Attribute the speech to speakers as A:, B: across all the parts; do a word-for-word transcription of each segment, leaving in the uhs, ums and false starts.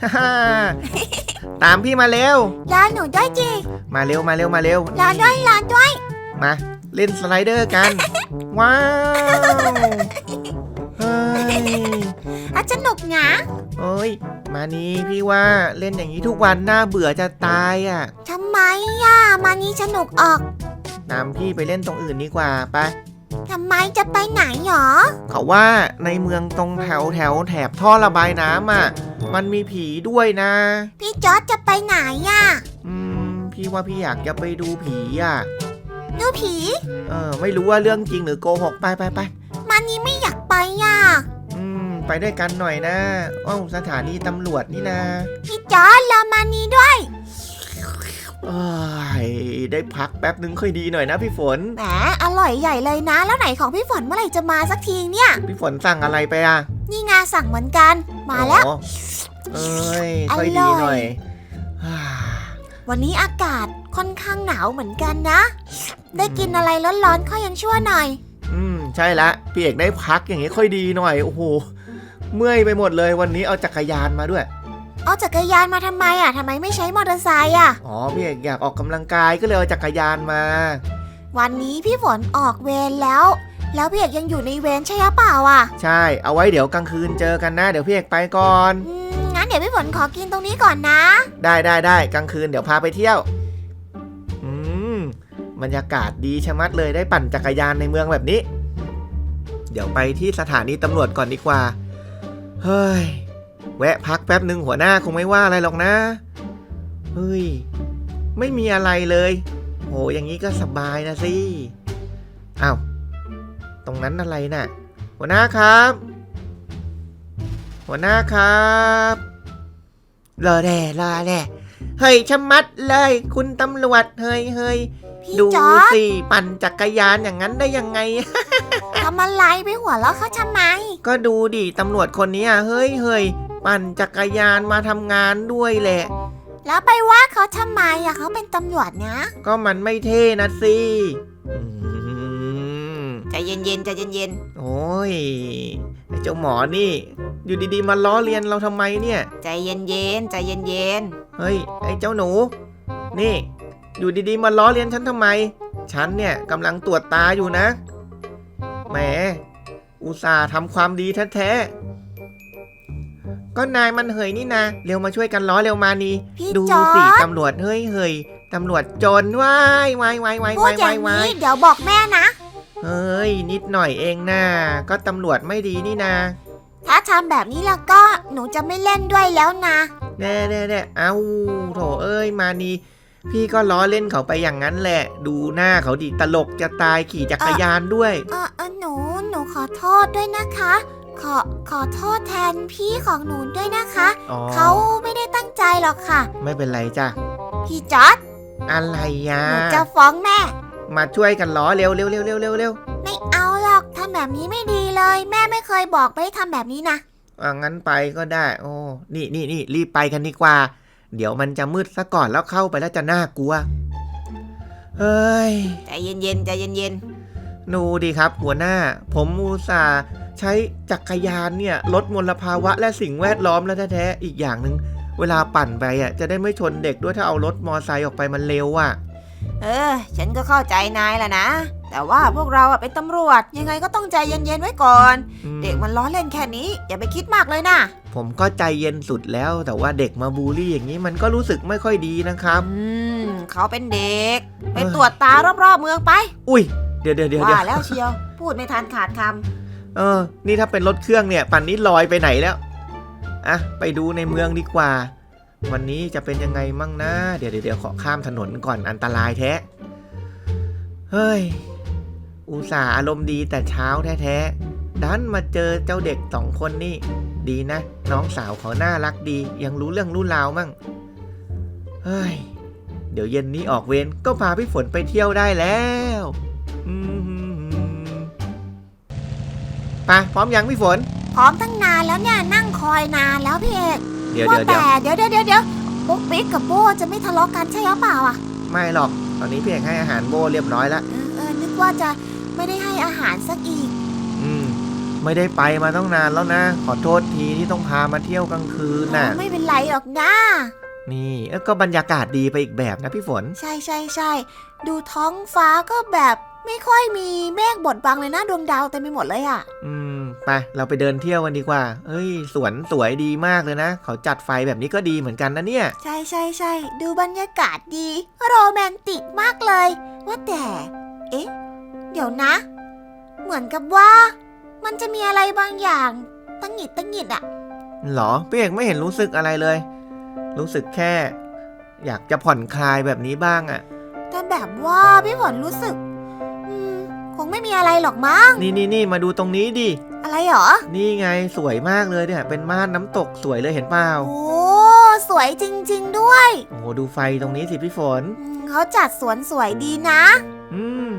A: ฮ่าตามพี่มาเร็ว
B: รอหนูด้วยจี
A: มาเร็วมาเร็วมาเร็ว
B: รอด้วยรอด้วย
A: มาเล่นสไลเดอร์กันว้าวเฮ้ย
B: อาสนุกนะ
A: โอ้ยมานี่พี่ว่าเล่นอย่างนี้ทุกวันน่าเบื่อจะตายอ่ะ
B: ทำไมอ่ะมานี่สนุกออก
A: ตามพี่ไปเล่นตรงอื่นดีกว่าไป
B: ทำไมจะไปไหนหรอ
A: เขาว่าในเมืองตรงแถวแถวแถบท่อระบายน้ำอ่ะมันมีผีด้วยนะ
B: พี่จอร์จจะไปไหนอ่ะ
A: อืมพี่ว่าพี่อยากจะไปดูผีอ่ะ
B: ดูผี
A: เออไม่รู้ว่าเรื่องจริงหรือโกหกไปไปไป
B: มานี่ไม่อยากไปอ่ะ
A: อืมไปด้วยกันหน่อยนะอ้าวสถานีตำรวจนี่นะ
B: พี่จอร์จรอมานี่ด้วย
A: เอ้ยได้พักแป๊บนึงค่อยดีหน่อยนะพี่ฝน
B: แหมอร่อยใหญ่เลยนะแล้วไหนของพี่ฝนเมื่อไหร่จะมาสักทีเนี่ย
A: พี่ฝนสั่งอะไรไปอ่ะ
B: นี่งาสั่งเหมือนกันมาแล้ว
A: เอ้ยค่อยดีหน่อย
B: วันนี้อากาศค่อนข้างหนาวเหมือนกันนะได้กินอะไรร้อนๆค่อยยังชั่วหน่อย
A: อืมใช่ละพี่เอกได้พักอย่างงี้ค่อยดีหน่อยโอ้โหเมื่อยไปหมดเลยวันนี้เอาจักรยานมาด้วย
B: เอาจักรยานมาทำไมอ่ะทำไมไม่ใช้มอเตอร์ไซค์อ่ะ
A: อ๋อพี่เอกอยากออกกำลังกายก็เลยเอาจักรยานมา
B: วันนี้พี่ฝนออกเวรแล้วแล้วพี่เอกยังอยู่ในเวรใช่หรือเปล่าอ่ะ
A: ใช่เอาไว้เดี๋ยวกลางคืนเจอกันนะเดี๋ยวพี่เอกไปก่อน
B: อืมงั้นเดี๋ยวพี่ฝนขอกินตรงนี้ก่อนนะ
A: ได้ได้ได้กลางคืนเดี๋ยวพาไปเที่ยวอืมบรรยากาศดีชะมัดเลยได้ปั่นจักรยานในเมืองแบบนี้เดี๋ยวไปที่สถานีตำรวจก่อนดีกว่าเฮ้ยแวะพักแป๊บหนึ่งหัวหน้าคงไม่ว่าอะไรหรอกนะเฮ้ยไม่มีอะไรเลยโหอย่างนี้ก็สบายนะสิอ้าวตรงนั้นอะไรน่ะหัวหน้าครับหัวหน้าครับรอแน่รอแน่เฮ้ยชะมัดเลยคุณตำรวจเฮ้ยเฮ้ยดูสิปั่นจักรยานอย่างนั้นได้ยังไง
B: ทำอะไรไปหัวเราะเขาทำไม
A: ก็ดูดิตำรวจคนนี้เฮ้ยเฮ้ยปั่นจักรยานมาทำงานด้วยแหละ
B: แล้วไปว่าเขาทำไมอะเขาเป็นตำรวจนะ
A: ก็มันไม่เท่นะสิ
B: ใจเย็นๆใจเย็น
A: ๆโอ้ยไอ้เจ้าหมอนี่อยู่ดีๆมาล้อเลียนเราทำไมเนี่ย
B: ใจเย็นๆใจเย็น
A: ๆเฮ้ยไอ้เจ้าหนูนี่อยู่ดีๆมาล้อเลียนฉันทำไมฉันเนี่ยกำลังตรวจตาอยู่นะแหมอุตส่าห์ทำความดีแท้ๆก็นายมันเหยนี่นะเร็วมาช่วยกันล้อเร็วมานี่ดูสิตำรวจเฮ้ยเฮ้ยตำรวจจนว้ายว้ายว้ายว้าย
B: ว้ายว้ายเดี๋ยวบอกแม่นะ
A: เฮ้ยนิดหน่อยเองนะก็ตำรวจไม่ดีนี่นะ
B: ถ้าทำแบบนี้แล้วก็หนูจะไม่เล่นด้วยแล้วนะ
A: แน่แน่แน่เอ้าโถเอ้ยมานี่พี่ก็ล้อเล่นเขาไปอย่างนั้นแหละดูหน้าเขาดิตลกจะตายขี่จักรยานด้วย
B: เออเออหนูหนูขอโทษด้วยนะคะขอขอโทษแทนพี่ของหนูด้วยนะคะเขาไม่ได้ตั้งใจหรอกค่ะ
A: ไม่เป็นไรจ้ะ
B: พี่จอร์จ
A: อะไรยะ
B: หนูจะฟ้องแม่
A: มาช่วยกันล้อเร็วเร็วเร็วเร็วเร็วเร็ว
B: ไม่เอาหรอกทำแบบนี้ไม่ดีเลยแม่ไม่เคยบอกไม่ทำแบบนี้นะ
A: อ่ะงั้นไปก็ได้โอ้นี่นี่นี่รีบไปกันดีกว่าเดี๋ยวมันจะมืดซะก่อนแล้วเข้าไปแล้วจะน่ากลัวเฮ้ย
B: ใจเย็นๆใจเย็น
A: ๆดูดิครับหัวหน้าผมอุตส่าห์ใช้จักรยานเนี่ยลดมลภาวะและสิ่งแวดล้อมแล้วแท้ๆอีกอย่างหนึ่งเวลาปั่นไปอ่ะจะได้ไม่ชนเด็กด้วยถ้าเอารถมอไซค์ออกไปมันเร็วอ่ะ
B: เออฉันก็เข้าใจนายแหละนะแต่ว่าพวกเราอ่ะเป็นตำรวจยังไงก็ต้องใจเย็นๆไว้ก่อนเด็กมันล้อเล่นแค่นี้อย่าไปคิดมากเลยนะ
A: ผมก็ใจเย็นสุดแล้วแต่ว่าเด็กมาบูลลี่อย่างนี้มันก็รู้สึกไม่ค่อยดีนะครับ
B: อืมเขาเป็นเด็กไปตรวจตารอบๆเมืองไป
A: อุ้ยเดี๋ยวเดี๋ยวเดี๋ยว
B: ว่าแล้วเชียวพูดไม่ทันขาดค
A: ำเออนี่ถ้าเป็นรถเครื่องเนี่ยปั่นนี้ลอยไปไหนแล้วอ่ะไปดูในเมืองดีกว่าวันนี้จะเป็นยังไงมั่งนะเดี๋ยวเดี๋ยวขอข้ามถนนก่อนอันตรายแท้เฮ้ยอุตส่าห์อารมณ์ดีแต่เช้าแท้ๆดันมาเจอเจ้าเด็กสองคนนี่ดีนะน้องสาวเขาน่ารักดียังรู้เรื่องรู้ราวมั่งเฮ้ยเดี๋ยวเย็นนี้ออกเวรก็พาพี่ฝนไปเที่ยวได้แล้วไปพร้อมยังพี่ฝน
B: พร้อมตั้งนานแล้วเนี่ยนั่งคอยนานแล้วพี่เอก
A: เดี๋ยวเดี๋ยว
B: เดี๋ยวเดี๋ยวเดี๋ยวเดี๋ยวปุ๊กปิ๊กกับโบจะไม่ทะเลาะกันใช่หรือเปล่าอ่ะ
A: ไม่หรอกตอนนี้พี่เอกให้อาหารโบเรียบร้อยแล้ว
B: เออเออนึกว่าจะไม่ได้ให้อาหารสักอีก
A: อืมไม่ได้ไปมาต้องนานแล้วนะ ขอโทษทีที่ต้องพามาเที่ยวกลางคืนน่ะ
B: ไม่เป็นไรหรอกนะ
A: นี่เอ้ยก็บรรยากาศดีไปอีกแบบนะพี่ฝน
B: ใช่ใช่ใช่ดูท้องฟ้าก็แบบไม่ค่อยมีเมฆบดบังเลยนะดวงดาวเต็มไปหมดเลยอะ
A: อืมไปเราไปเดินเที่ยวกันดีกว่าเอ้ยสวนสวยดีมากเลยนะเขาจัดไฟแบบนี้ก็ดีเหมือนกันนะเนี่ย
B: ใช่ใช่ใช่ดูบรรยากาศดีโรแมนติกมากเลย ว่าแต่ เอ๊ะ เดี๋ยวนะ เหมือนกับว่า มันจะมีอะไรบางอย่างตั้งหงิดตั้งหงิดอะ
A: หรอพี่เอกไม่เห็นรู้สึกอะไรเลย รู้สึกแค่ อยากจะผ่อนคลายแบบนี้บ้างอะ
B: แต่แบบว่าพี่ฝนรู้สึก อืม คงไม่มีอะไรหรอกมั้ง
A: นี่นี่นี่มาดูตรงนี้ดิ
B: อะไรหรอ
A: นี่ไงสวยมากเลยเนี่ยเป็นม่านน้ำตกสวยเลยเห็นเปล่า
B: โอ้ สวยจริง ๆ ด้วย
A: โอ้โหดูไฟตรงนี้สิพี่ฝน
B: อืมเขาจัดสวนสวยดีนะ
A: อืม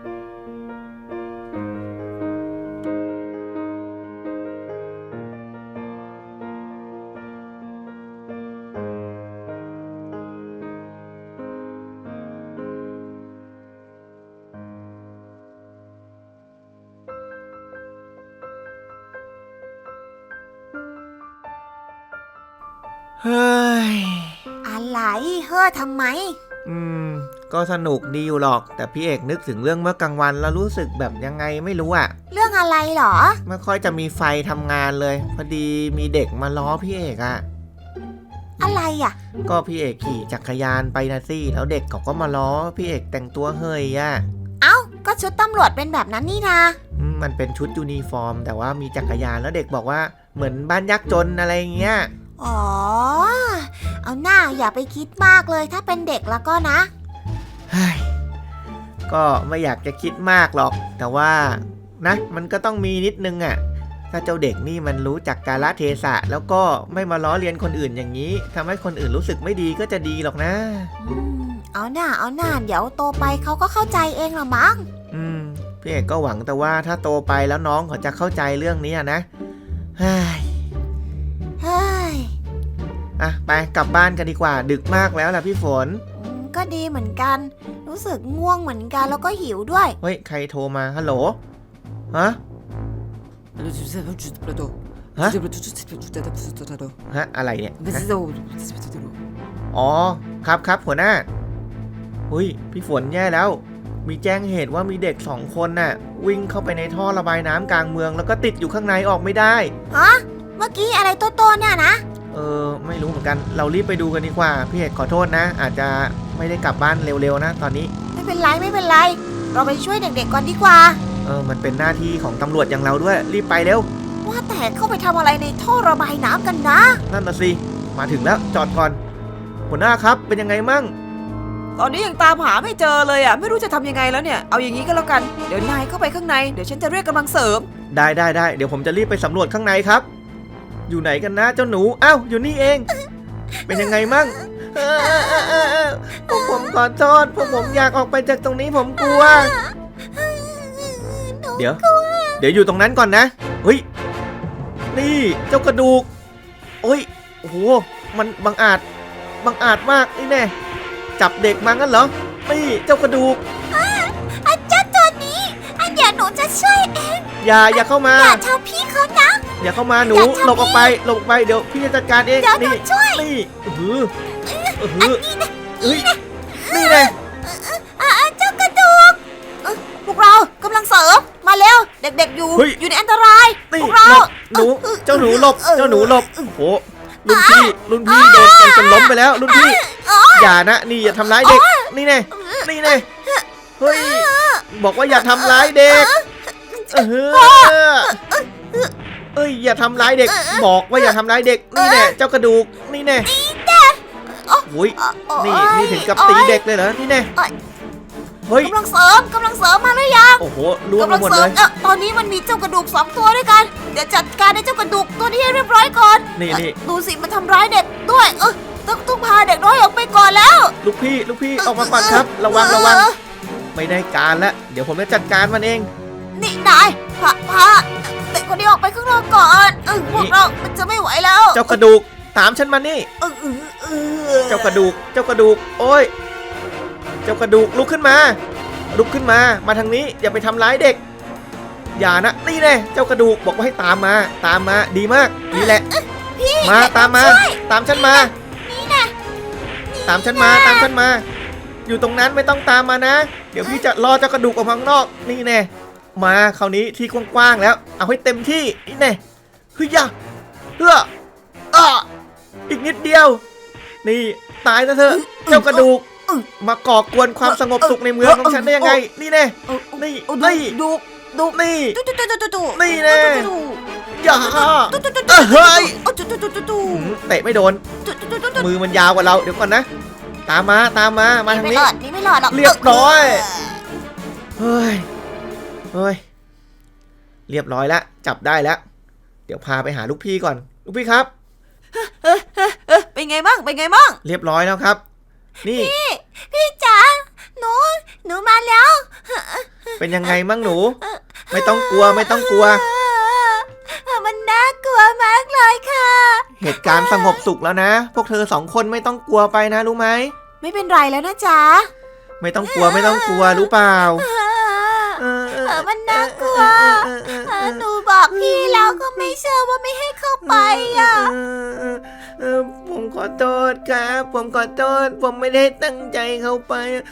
A: เฮ้ย
B: อะไรเฮ้อทำไม
A: อืมก็สนุกดีอยู่หรอก แต่พี่เอกนึกถึงเรื่องเมื่อกลางวันแล้วรู้สึกแบบยังไงไม่รู้อะ
B: เรื่องอะไรหรอ
A: ไม่ค่อยจะมีไฟทำงานเลยพอดีมีเด็กมาล้อพี่เอกอะ
B: อะไรอ่ะ
A: ก็พี่เอกขี่จักรยานไปนะสิแล้วเด็กเขาก็มาล้อพี่เอกแต่งตัวเฮยอะ
B: เอ้า ก็ชุดตำรวจเป็นแบบนั้นนี่นา
A: อืมมันเป็นชุดยูนิฟอร์ม แต่ว่ามีจักรยานแล้วเด็กบอกว่าเหมือนบ้านยากจนอะไรอย่างเงี้ย
B: อ๋อ เอาหน้าอย่าไปคิดมากเลยถ้าเป็นเด็กแล้วก็นะ
A: เฮ้ยก็ไม่อยากจะคิดมากหรอก แต่ว่านะมันก็ต้องมีนิดนึงอะถ้าเจ้าเด็กนี่มันรู้จักกาลเทศะแล้วก็ไม่มาล้อเลียนคนอื่นอย่างนี้ทำให้คนอื่นรู้สึกไม่ดีก็จะดีหรอกนะ
B: อืม เอาหน้าเอาหน้าเดี๋ยวโตไปเขาก็เข้าใจเองละมั้ง
A: อืมพี่เอกก็หวังแต่ว่าถ้าโตไปแล้วน้องเขาจะเข้าใจเรื่องนี้อะนะเฮ้ย
B: เฮ้ย
A: อ่ะไปกลับบ้านกันดีกว่า ดึกมากแล้วล่ะพี่ฝน
B: อืมก็ดีเหมือนกัน รู้สึกง่วงเหมือนกันแล้วก็หิวด้วย
A: เฮ้ยใครโทรมาฮัลโหลฮะ ฮะ ฮะอะไรเนี่ยฮะอ๋อครับครับหัวหน้าหุยพี่ฝนแย่แล้ว มีแจ้งเหตุว่ามีเด็กสองคนน่ะ วิ่งเข้าไปในท่อระบายน้ำกลางเมืองแล้วก็ติดอยู่ข้างในออกไม่ได้
B: ฮะ เมื่อกี้อะไรโตๆเนี่ยนะ
A: เออไม่รู้เหมือนกันเรารีบไปดูกันดีกว่าพี่เอกขอโทษนะ อาจจะไม่ได้กลับบ้านเร็วๆนะตอนนี้
B: ไม่เป็นไรไม่เป็นไร เราไปช่วยเด็กๆก่อนดีกว่า
A: เออมันเป็นหน้าที่ของตำรวจอย่างเราด้วย รีบไปเร็ว
B: ว่าแต่เข้าไปทำอะไรในท่อระบายน้ำกันนะ
A: นั่นน่ะสิมาถึงแล้วจอดก่อนหัวหน้าครับเป็นยังไงมั่ง
C: ตอนนี้ยังตามหาไม่เจอเลยอ่ะไม่รู้จะทำยังไงแล้วเนี่ยเอาอย่างนี้ก็แล้วกันเดี๋ยวนายเข้าไปข้างในเดี๋ยวฉันจะเรียกกำลังเสริม
A: ได้ได้ได้เดี๋ยวผมจะรีบไปสำรวจข้างในครับ อยู่ไหนกันนะเจ้าหนูอ้าวอยู่นี่เอง เป็นยังไงมั่งเออเออเออเออเออพวกผมขอโทษพวกผมอยากออกไปจากตรงนี้ผมกลัว เดี๋ยว เดี๋ยวอยู่ตรงนั้นก่อนนะเฮ้ยนี่เจ้ากระดูกโอ้ยโอ้โหมันบังอาจบังอาจมากนี่แน่จับเด็กมางั้นเหรอนี่เจ้ากระดูก
B: อาจารย์ตัวนี้อันเดี๋ยวหนูจะช่วยเอง
A: อย่าอย่าเข้ามา
B: อย่าทำพี่เขานะ
A: อย่าเข้ามาหนู
B: อย่าทำ
A: หลบออกไปหลบออกไปเดี๋ยวพี่จะจัดการเอง
B: เดี๋ยวหนู
A: นี่
B: ช่วย
A: นี่เออหือเออหือเอ้ยนี่ไง
B: อ่าเจ้ากระดูกเอ้ยพวกเรากำลังเสริมมาเร็วเด็กๆอยู่
A: เฮ้ย
B: อยู่ในอันตราย
A: นี่
B: พวกเรา
A: หลบหนูเจ้าหนูหลบเจ้าหนูหลบโอ้โหรุ่นพี่รุ่นพี่โดนกันจนล้มไปแล้วรุ่นพี่อย่านะนี่อย่าทำร้ายเด็กนี่ไงนี่ไงเฮ้ยบอกว่าอย่าทำร้ายเด็กเออเอ้ยอย่าทำร้ายเด็ก บอกว่าอย่าทำร้ายเด็กนี่แน่เจ้ากระดูกนี่แน่โอ้ยนี่นี่ถึงกับตีเด็กเลยเหรอนี่แน่เฮ้ย
B: กำลังเสริมกำลังเสริมมาหรือยัง
A: โอ้โหล่วง
B: กำลัง
A: หมด
B: เสริ
A: เล
B: ม
A: ย
B: เออตอนนี้มันมีเจ้ากระดูกสองตัวด้วยกัน เดี๋ยวจัดการในเจ้ากระดูกตัวนี้ให้เรียบร้อยก่อน
A: นี่นี่
B: เอ่อดูสิมันทำร้ายเด็กด้วย เออต้องต้องพาเด็กน้อยออกไปก่อนแล้ว
A: ลูกพี่ลูกพี่ออกมาก่อนครับ ระวังระวังไม่ได้การแล้วเดี๋ยวผมจะจัดการมันเอง
B: นี่นายพาพาเด็กคนนี้ออกไปข้างนอกก่อนเออพวกเรามันจะไม่ไหวแล้ว
A: เจ้ากระดูกตามฉันมานี่
B: เออเออเออ
A: เจ้ากระดูกเจ้ากระดูกโอ้ยเจ้ากระดูกลุกขึ้นมาลุกขึ้นมามาทางนี้อย่าไปทำร้ายเด็ก ออย่านะนี่แน่เจ้ากระดูกบอกว่าให้ตามมาตามมาดีมากนี่แหละมาตามมาตามฉันมาตามฉันมาตามฉันมาอยู่ตรงนั้นไม่ต้องตามมานะเดี๋ยวพี่จะรอเจ้ากระดูกออกมาข้างนอกนี่แน่มาคราวนี้ที่กว้างๆแล้วเอาให้เต็มที่นี่แน่เฮ้ยอย่าเฮ้ออ่ะอีกนิดเดียวนี่ตายซะเถอะเจ้ากระดูกมาก่อกวนความสงบสุขในเมืองของฉันได้ยังไงนี่แน่นี่นี่
C: ดูดู
A: นี่
C: ดูดูดูดูดู
A: นี่แน่อย่าเฮ้ยเตะไม่โดนมือมันยาวกว่าเราเดี๋ยวก่อนนะตามมาตามมามาทาง
B: ไม่
A: นี้
B: รอดนี่ไม่รอดหรอก
A: เรียบร้อยเฮ้ยเฮ้ยเรียบร้อยแล้วจับได้แล้วเดี๋ยวพาไปหาลูกพี่ก่อนลูกพี่ครับ
C: เป็นไงบ้างเป็นไงบ้าง
A: เรียบร้อยแล้วครับนี่
B: พี่จ๋าหนูหนูมาแล้ว
A: เป็นยังไงมั่งหนู ไม่ต้องกลัวไม่ต้องกลัว
B: มันน่ากลัวมากเลยค่ะ
A: เหตุการณ์สงบสุขแล้วนะ พวกเธอสองคนไม่ต้องกลัวไปนะรู้ไหม
B: ไม่เป็นไรแล้วนะจ๊ะ
A: ไม่ต้องกลัวไม่ต้องกลัวรู้เปล่าเออ
B: เออมันน่ากลัวเออหนูบอกพี่แล้วก็ไม่เชื่อว่าไม่ให้เข้าไปอ่ะ
A: เออเออผมขอโทษครับผมขอโทษผมไม่ได้ตั้งใจเข้าไป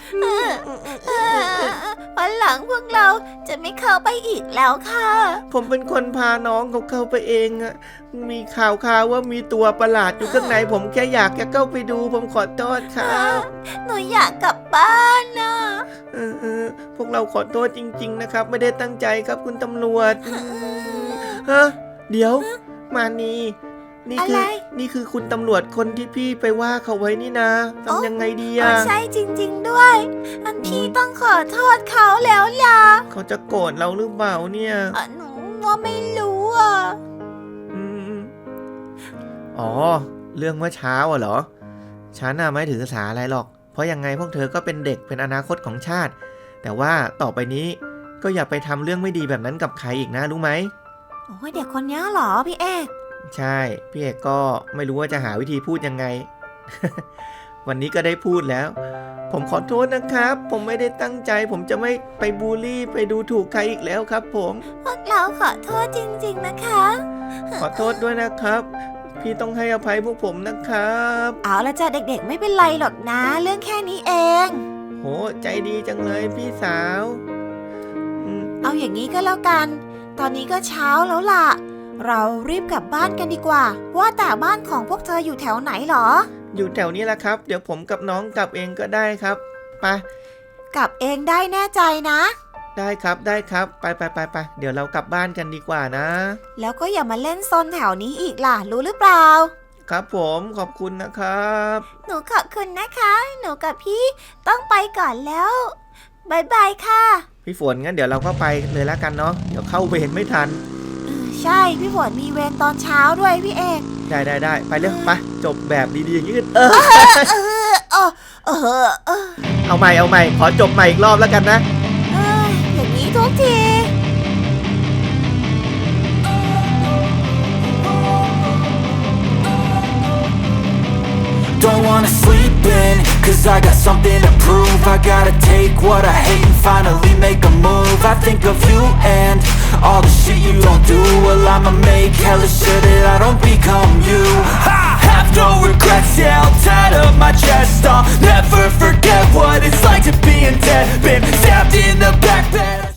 B: วันหลังพวกเราจะไม่เข้าไปอีกแล้วค่ะ
A: ผมเป็นคนพาน้องเขาเข้าไปเองอะมีข่าวข่าวว่ามีตัวประหลาดอยู่ข้างในผมแค่อยากจะเข้าไปดูผมขอโทษครับ
B: หนูอยากกลับบ้านนะ
A: เออเออพวกเราขอโทษจริง ๆ นะครับ ไม่ได้ตั้งใจครับคุณตำรวจฮะเดี๋ยวมานีนี่คือนี่คือคุณตำรวจคนที่พี่ไปว่าเขาไว้นี่นะทำยังไงดี
B: อ๋
A: อะ
B: อใช่จริง ๆด้วย อันพี่ต้องขอโทษเขาแล้วล่ะ
A: เขาจะโกรธเราหรือเปล่าเนี่ย
B: อ่ะหนูว่าไม่รู้อ่ะ
A: อืมอ๋อเรื่องเมื่อเช้าอะเหรอฉันน่ะไม่ถือสาอะไรหรอกเพราะยังไงพวกเธอก็เป็นเด็กเป็นอนาคตของชาติ แต่ว่าต่อไปนี้ก็อย่าไปทำเรื่องไม่ดีแบบนั้นกับใครอีกนะรู้ไหม
B: โอ้ยเด็กคนนี้เหรอพี่เอก
A: ใช่พี่เอกก็ไม่รู้ว่าจะหาวิธีพูดยังไง วันนี้ก็ได้พูดแล้ว ผมขอโทษนะครับ ผมไม่ได้ตั้งใจ ผมจะไม่ไปบูลลี่ไปดูถูกใครอีกแล้วครับ ผม
B: พวกเราขอโทษจริง ๆนะคะ
A: ขอโทษด้วยนะครับ พี่ต้องให้อภัยพวกผมนะครับ
B: เอาละจ้ะเด็กๆไม่เป็นไรหรอกนะ เรื่องแค่นี้เอง
A: โหใจดีจังเลยพี่สาวอืม
B: เอาอย่างนี้ก็แล้วกัน ตอนนี้ก็เช้าแล้วล่ะ เรารีบกลับบ้านกันดีกว่า ว่าแต่บ้านของพวกเธออยู่แถวไหนหรอ
A: อยู่แถวนี้แหละครับ เดี๋ยวผมกับน้องกลับเองก็ได้ครับไป
B: กลับเองได้แน่ใจนะ
A: ได้ครับได้ครับไปไปไปไปเดี๋ยวเรากลับบ้านกันดีกว่านะ
B: แล้วก็อย่ามาเล่นซนแถวนี้อีกล่ะ รู้หรือเปล่า
A: ครับผมขอบคุณนะครับ
B: หนูขอบคุณนะคะ หนูกับพี่ต้องไปก่อนแล้วบายบายค่ะ
A: พี่ฝนงั้นเดี๋ยวเราก็ไปเลยแล้วกันเนาะเดี๋ยวเข้าเวรไม่ทัน
B: เออใช่พี่ฝนมีเวรตอนเช้าด้วยพี่เอก
A: ได้ได้ได้ไปเร็วไปจบแบบดีๆอย่างนี้กันเออ
B: เออเออเออเออ
A: เอาใหม่เอาใหม่ขอจบใหม่อีกรอบแล้วกันนะ
B: เอ้ยอย่างนี้ทุกที
D: Don't wanna sleep in, cause I got something to prove. I gotta take what I hate and finally make a move. I think of you and all the shit you don't do. Well, I'ma make hella sure that I don't become you. I have no regrets, yeah, I'll tie up my chest. I'll never forget what it's like to be in debt. Been stabbed in the back, bed